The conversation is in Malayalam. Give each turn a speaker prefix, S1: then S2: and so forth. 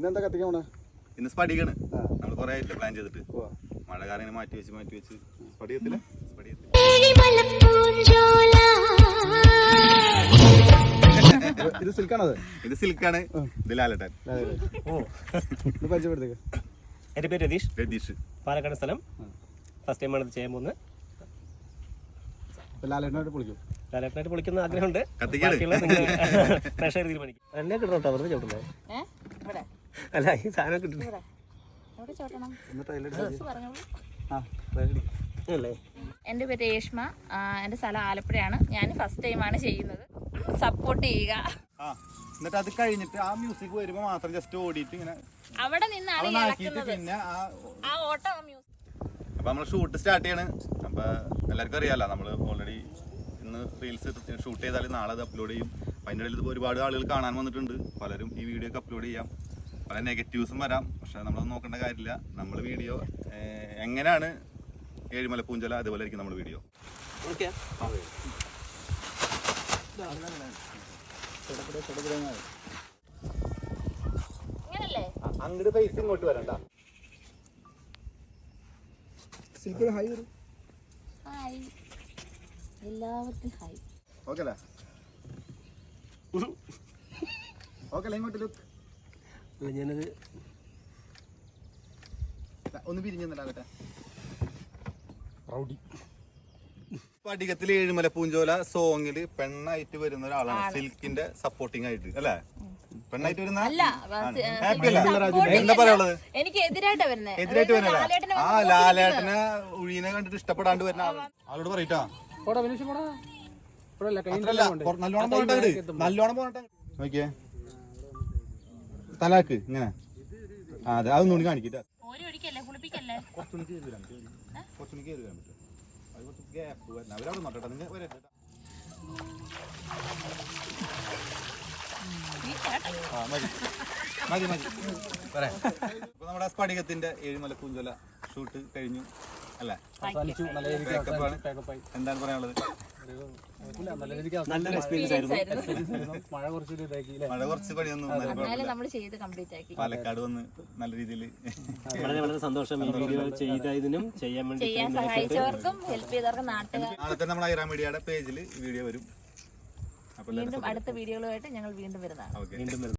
S1: ഇന്നെന്താ കത്തിക്കാൻ പോണേ?
S2: ഇന്ന് സ്പടികാണ്. നമ്മൾ കുറെ ആയിട്ടില്ല പ്ലാൻ ചെയ്തിട്ട്. മഴ കാരണം ഇങ്ങനെ മാറ്റി വെച്ച് സ്പടികത്തില്ല.
S1: ഇത് സിൽക്കാണത്?
S2: ഇത് സിൽക്കാണ്. ഇത് ലാലട്ടൻ.
S1: പരിചയപ്പെടുത്തേക്ക്.
S3: എൻ്റെ പേര്
S2: രതീഷ്.
S3: പാലക്കാട് സ്ഥലം. ഫസ്റ്റ് ടൈമാണ് ഇത് ചെയ്യാൻ പോകുന്നത്. ലാലേട്ടനായിട്ട് പൊളിക്കുന്ന ആഗ്രഹമുണ്ട്. പ്രഷർ തീരുമാനിക്കും. എന്നെ കിട്ടണോട്ടോ വെറുതെ ചവിട്ടുന്നേ. അല്ല ഈ സാധനം കിട്ടുന്നു.
S4: എൻ്റെ പേര് രേഷ്മ. എൻ്റെ സ്ഥലം ആലപ്പുഴയാണ്. ഞാൻ ഫസ്റ്റ് ടൈമാണ് ചെയ്യുന്നത്. സപ്പോർട്ട് ചെയ്യുക.
S2: എന്നിട്ട് അത് കഴിഞ്ഞിട്ട് ആ മ്യൂസിക് വരുമ്പോ മാത്രം ജസ്റ്റ് ഓടിയിട്ട് ഇങ്ങനെ
S4: അവിടെ നിന്നാണ്
S2: പിന്നെ
S4: ആ ഓട്ടം മ്യൂസിക്.
S2: അപ്പൊ നമ്മള് ഷൂട്ട് സ്റ്റാർട്ട് ചെയ്യാണ്. അപ്പൊ എല്ലാവർക്കും അറിയാലോ, നമ്മള് ഓൾറെഡി ഇന്ന് റീൽസ് ഷൂട്ട് ചെയ്താൽ നാളെ അത് അപ്ലോഡ് ചെയ്യും. അപ്പൊ അതിൻ്റെ ഇടയിൽ ഒരുപാട് ആളുകൾ കാണാൻ വന്നിട്ടുണ്ട്. പലരും ഈ വീഡിയോ ഒക്കെ അപ്ലോഡ് ചെയ്യാം. പല നെഗറ്റീവ്സും വരാം. പക്ഷെ നമ്മളത് നോക്കേണ്ട കാര്യമില്ല. നമ്മൾ വീഡിയോ എങ്ങനെയാണ് ഏഴിമല പൂഞ്ചല അതുപോലെ ആയിരിക്കും നമ്മുടെ വീഡിയോ. അങ്ങോട്ട് ഫേസ് ഇങ്ങോട്ട് വരണ്ട.
S4: എല്ലാവർക്കും ഹായ്.
S2: ഓക്കെ അല്ലേ? ഓക്കെ അല്ലേ? ഇങ്ങോട്ട് ലുക്ക്.
S3: ഞാനത്
S2: ഒന്ന് പിരിഞ്ഞിട്ടാകട്ടെ. സ്ഫടികത്തിൽ ഏഴുമല പൂഞ്ചോല സോങ്ങില് പെണ്ണായിട്ട് വരുന്ന ഒരാളാണ്. സിൽക്കിന്റെ സപ്പോർട്ടിംഗ് ആയിട്ട് അല്ലേ? പെണ്ണായിട്ട് വരുന്ന എന്താ പറയാനുള്ളത്?
S4: എനിക്ക് എതിരായിട്ട് വരുന്നത്.
S2: ആ ലാലേട്ടനെ ഉഴീനെ കണ്ടിട്ട് ഇഷ്ടപ്പെടാണ്ട് വരുന്ന ആളോട് പറയട്ടാ. നല്ലോണം പോകട്ടെ. നോക്കിയേ തലാക്ക് ഇങ്ങനെ. അതെ, അതൊന്നും കൂടി കാണിക്കട്ടെ. കുറച്ചുകൂടി കയറി വരാൻ പറ്റും. അത് കുറച്ച് ഗ്യാപ്പ് വരണം. അവരവിടെ നോക്കട്ടെ. നിങ്ങൾ മതി മതി പറയാം. ഇപ്പൊ നമ്മുടെ സ്ഫടികത്തിന്റെ ഏഴുമല പൂഞ്ചോല ഷൂട്ട് കഴിഞ്ഞു അല്ലേ? എന്താണ് പറയാനുള്ളത്?
S3: നല്ലൊരു എക്സ്പീരിയൻസ് ആയിരുന്നു.
S2: മഴ കുറച്ച് പണിയൊന്നും പാലക്കാട് വന്ന് നല്ല രീതിയിൽ
S3: വളരെ വളരെ സന്തോഷം. ഈ വീഡിയോ ചെയ്തതിനും ചെയ്യാൻ വേണ്ടി
S4: സഹായിച്ചവർക്കും ഹെൽപ്പ് ചെയ്തവർക്കും നാട്ടുകാർ.
S2: നാളെ തന്നെ നമ്മൾ ഐറ മീഡിയയുടെ പേജിൽ വീഡിയോ വരും.
S4: വീണ്ടും അടുത്ത വീഡിയോകളുമായിട്ട് ഞങ്ങൾ വീണ്ടും വരുന്നതാണ്.